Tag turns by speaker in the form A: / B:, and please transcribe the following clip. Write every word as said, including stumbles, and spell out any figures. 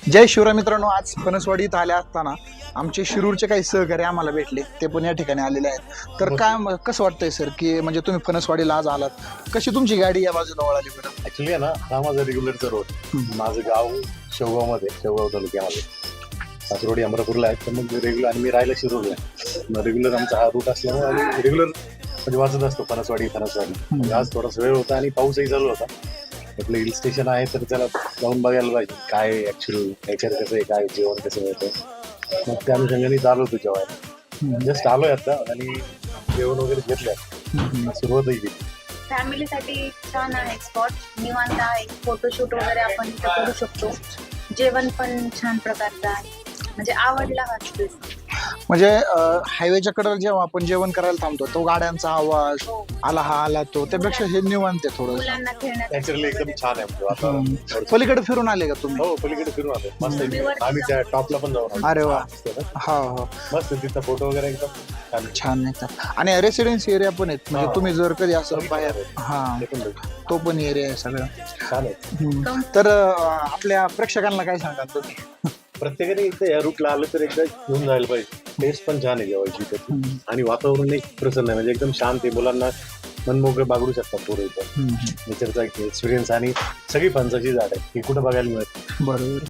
A: जय शिवराय मित्रांनो, आज फणसवाडीत आले असताना आमचे शिरूरचे काही सहकारी आम्हाला भेटले, ते पण या ठिकाणी आलेले आहेत. तर काय म- कसं वाटतंय सर, की म्हणजे तुम्ही फणसवाडीला आज आलात, कशी तुमची गाडी या बाजूला वळाली बरं?
B: ऍक्च्युली आहे ना, हा माझा रेग्युलरचा रोड. माझं गाव शेवगाव मध्ये शेवगाव तालुक्यामध्ये, सासरोडी अमरापूरला आहे. तर मग रेग्युलर आणि मी राहायला शिरूरला आहे. मग रेग्युलर आमचा हा रूट असल्यामुळे आम्ही रेग्युलर म्हणजे वाचत असतो फणसवाडी फणसवाडी. म्हणजे आज थोडासा वेळ होता आणि पाऊसही चालू होता. आपलं हिल स्टेशन आहे तर त्याला जाऊन बघायला पाहिजे काय ऍक्च्युअली नेचर कसं आहे, काय जेवण कसं मिळतं. मग त्या अनुषंगाने चालू होतो जेवायला. जस्ट आलोय आता आणि जेवण वगैरे घेतलंय, सुरुवातही केली.
C: फॅमिलीसाठी छान आहे स्पॉट, निवांत आहे. फोटोशूट वगैरे आपण इथं करू शकतो. जेवण पण छान प्रकारचं आहे, म्हणजे आवडला हा स्पेस.
A: म्हणजे हायवेच्या कडेला जेव्हा आपण जेवण करायला थांबतो, तो गाड्यांचा आवाज
C: हो.
A: आला हा आला तो, त्यापेक्षा हे निवांत आहे थोडं.
C: मुलांना खेळण्यासाठी
B: नॅचरली एकदम छान आहे म्हणजे वातावरण.
A: पलीकडे फिरून आले का तुम्ही?
B: हो, पलीकडे फिरून आलो. मस्त आहे. आम्ही त्या टॉपला पण जाऊन आलो.
A: अरे वा.
B: मस्त आहे ना?
A: हा हो,
B: मस्त आहे. तिथं फोटो वगैरे एकदम छान आहे.
A: छान नाही. आणि रेसिडेन्सी एरिया पण आहेत, म्हणजे
B: हा.
A: तुम्ही जर कधी असं बाहेर, हा
B: ते पण बघ.
A: तो पण एरिया आहे सगळं.
B: छान आहे.
A: हम्म. तर अं, आपल्या प्रेक्षकांना काय सांगाल तुम्ही?
B: प्रत्येकाने एकदा या रूटला आलं तर एकदा घेऊन जायला पाहिजे. टेस्ट पण छान आहे जेवायची त्याची.
A: हम्म.
B: आणि वातावरण एक प्रसन्न आहे, म्हणजे एकदम शांत आहे. मुलांना मनमोकळे बागडू शकतात पोरं इथं.
A: हम्म.
B: नेचरचा एक एक्सपिरियन्स आणि सगळी फणसाची झाड आहे, ही कुठं बघायला मिळत.
A: बरोबर.